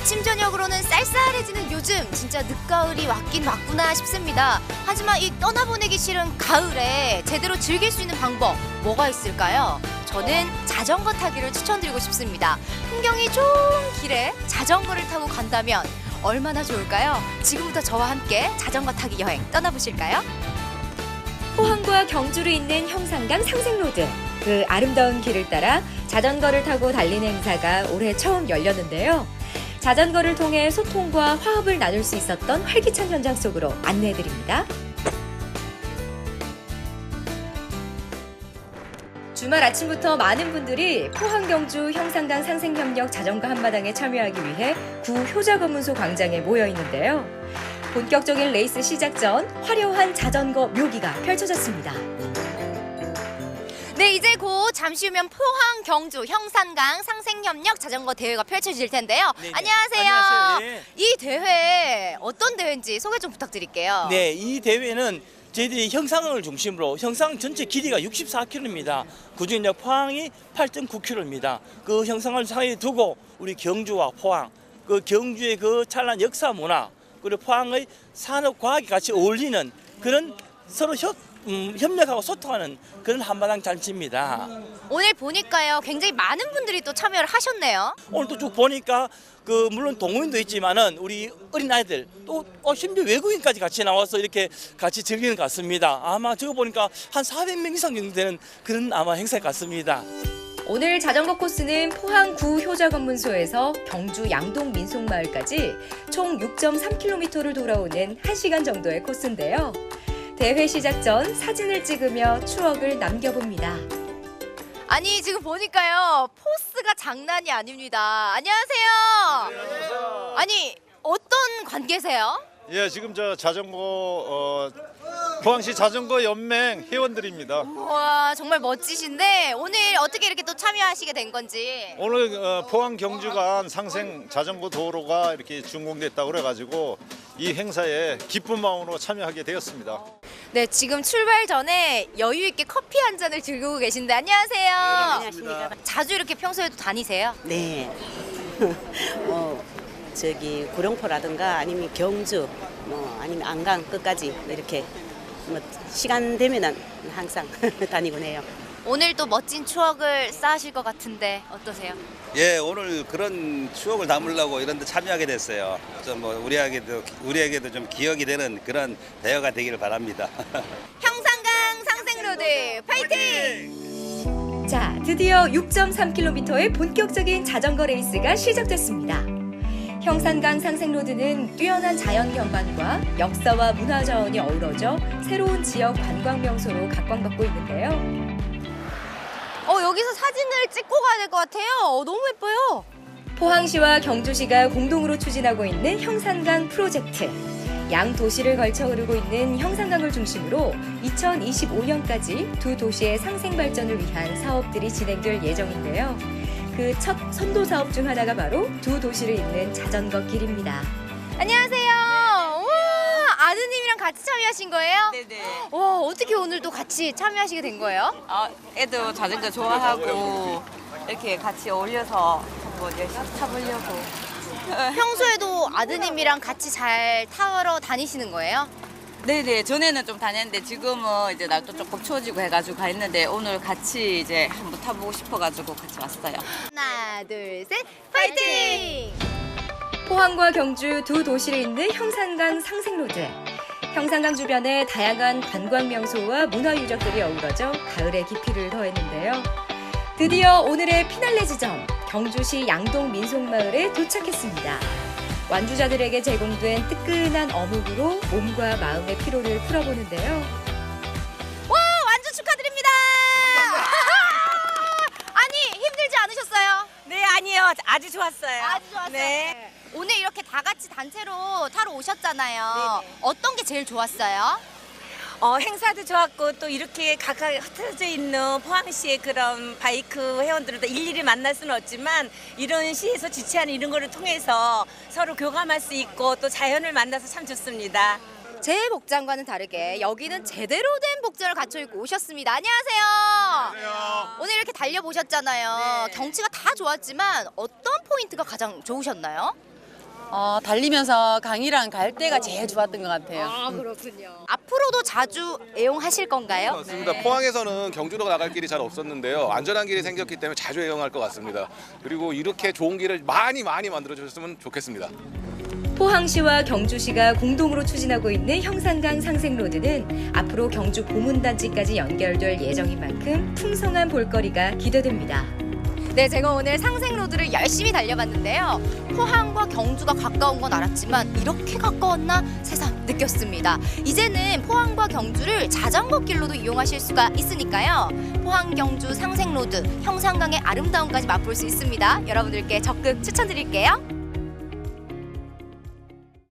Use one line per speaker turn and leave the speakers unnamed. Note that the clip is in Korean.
아침 저녁으로는 쌀쌀해지는 요즘 진짜 늦가을이 왔긴 왔구나 싶습니다. 하지만 이 떠나보내기 싫은 가을에 제대로 즐길 수 있는 방법 뭐가 있을까요? 저는 자전거 타기를 추천드리고 싶습니다. 풍경이 좋은 길에 자전거를 타고 간다면 얼마나 좋을까요? 지금부터 저와 함께 자전거 타기 여행 떠나보실까요? 포항과 경주를 잇는 형산강 상생로드. 그 아름다운 길을 따라 자전거를 타고 달리는 행사가 올해 처음 열렸는데요. 자전거를 통해 소통과 화합을 나눌 수 있었던 활기찬 현장 속으로 안내해드립니다. 주말 아침부터 많은 분들이 포항 경주 형산강 상생협력 자전거 한마당에 참여하기 위해 구 효자검문소 광장에 모여 있는데요. 본격적인 레이스 시작 전 화려한 자전거 묘기가 펼쳐졌습니다. 네, 이제 곧 잠시 후면 포항 경주 형산강 상생협력 자전거 대회가 펼쳐질 텐데요.
네네.
안녕하세요.
안녕하세요. 네.
이 대회 어떤 대회인지 소개 좀 부탁드릴게요.
네, 이 대회는 저희들이 형산강을 중심으로 형산 전체 길이가 64km입니다. 그중에 포항이 8.9km입니다. 그 형산강을 사이에 두고 우리 경주와 포항, 그 경주의 그 찬란 역사 문화, 그리고 포항의 산업 과학이 같이 어울리는 그런 서로 협력하고 소통하는 그런 한마당 잔치입니다.
오늘 보니까요, 굉장히 많은 분들이 또 참여를 하셨네요.
오늘 또 쭉 보니까 그 물론 동호인도 있지만은 우리 어린아이들 또 심지어 외국인까지 같이 나와서 이렇게 같이 즐기는 것 같습니다. 아마 저거 보니까 한 400명 이상 정도 되는 그런 아마 행사일 것 같습니다.
오늘 자전거 코스는 포항 구 효자검문소에서 경주 양동 민속마을까지 총 6.3km를 돌아오는 1시간 정도의 코스인데요. 대회 시작 전 사진을 찍으며 추억을 남겨봅니다. 아니, 지금 보니까요, 포스가 장난이 아닙니다. 안녕하세요.
안녕하세요.
아니, 어떤 관계세요?
예, 지금 저 자전거 포항시 자전거 연맹 회원들입니다.
와, 정말 멋지신데 오늘 어떻게 이렇게 또 참여하시게 된 건지.
오늘 포항 경주간 상생 자전거 도로가 이렇게 준공됐다고 그래가지고 이 행사에 기쁜 마음으로 참여하게 되었습니다.
네, 지금 출발 전에 여유 있게 커피 한 잔을 즐기고 계신데 안녕하세요.
안녕하십니까.
자주 이렇게 평소에도 다니세요?
네. 저기 구룡포라든가 아니면 경주, 아니면 안강 끝까지 이렇게 시간 되면은 항상 다니곤 해요.
오늘 또 멋진 추억을 쌓으실 것 같은데 어떠세요?
예, 오늘 그런 추억을 담으려고 이런 데 참여하게 됐어요. 좀 우리에게도 좀 기억이 되는 그런 대회가 되기를 바랍니다.
형산강 상생로드 파이팅! 자, 드디어 6.3km의 본격적인 자전거 레이스가 시작됐습니다. 형산강 상생로드는 뛰어난 자연 경관과 역사와 문화 자원이 어우러져 새로운 지역 관광 명소로 각광받고 있는데요. 여기서 사진을 찍고 가야 될 것 같아요. 너무 예뻐요. 포항시와 경주시가 공동으로 추진하고 있는 형산강 프로젝트. 양 도시를 걸쳐 흐르고 있는 형산강을 중심으로 2025년까지 두 도시의 상생 발전을 위한 사업들이 진행될 예정인데요. 그 첫 선도 사업 중 하나가 바로 두 도시를 잇는 자전거 길입니다. 안녕하세요. 우와, 아드님이랑 같이 참여하신 거예요?
네네.
와, 어떻게 오늘도 같이 참여하시게 된 거예요?
애도 자전거 좋아하고 이렇게 같이 어울려서 한번 열심히 타보려고.
평소에도 아드님이랑 같이 잘 타러 다니시는 거예요?
네네. 전에는 좀 다녔는데 지금은 이제 날도 조금 추워지고 해가지고 가 있는데 오늘 같이 이제 한번 타보고 싶어가지고 같이 왔어요.
하나, 둘, 셋, 파이팅! 포항과 경주 두 도시를 잇는 형산강 상생로드. 형산강 주변에 다양한 관광 명소와 문화 유적들이 어우러져 가을의 깊이를 더했는데요. 드디어 오늘의 피날레 지점, 경주시 양동 민속마을에 도착했습니다. 완주자들에게 제공된 뜨끈한 어묵으로 몸과 마음의 피로를 풀어보는데요. 와, 완주 축하드립니다. 아니, 힘들지 않으셨어요?
네, 아니요. 아주 좋았어요.
아주 좋았어요.
네.
오늘 이렇게 다 같이 단체로 타러 오셨잖아요.
네네.
어떤 게 제일 좋았어요?
행사도 좋았고 또 이렇게 각각 흩어져 있는 포항시의 그런 바이크 회원들을 일일이 만날 수는 없지만 이런 시에서 주최하는 이런 거를 통해서 서로 교감할 수 있고 또 자연을 만나서 참 좋습니다.
제 복장과는 다르게 여기는 제대로 된 복장을 갖춰 입고 오셨습니다. 안녕하세요. 오늘 이렇게 달려보셨잖아요.
네.
경치가 다 좋았지만 어떤 포인트가 가장 좋으셨나요?
달리면서 강이랑 갈 때가 제일 좋았던 것 같아요.
그렇군요. 앞으로도 자주 애용하실 건가요?
맞습니다. 포항에서는 경주로 나갈 길이 잘 없었는데요. 안전한 길이 생겼기 때문에 자주 애용할 것 같습니다. 그리고 이렇게 좋은 길을 많이 만들어 주셨으면 좋겠습니다.
포항시와 경주시가 공동으로 추진하고 있는 형산강 상생로드는 앞으로 경주 보문단지까지 연결될 예정인 만큼 풍성한 볼거리가 기대됩니다. 네, 제가 오늘 상생로드를 열심히 달려봤는데요. 포항과 경주가 가까운 건 알았지만 이렇게 가까웠나 새삼 느꼈습니다. 이제는 포항과 경주를 자전거 길로도 이용하실 수가 있으니까요. 포항 경주 상생로드, 형산강의 아름다움까지 맛볼 수 있습니다. 여러분들께 적극 추천드릴게요.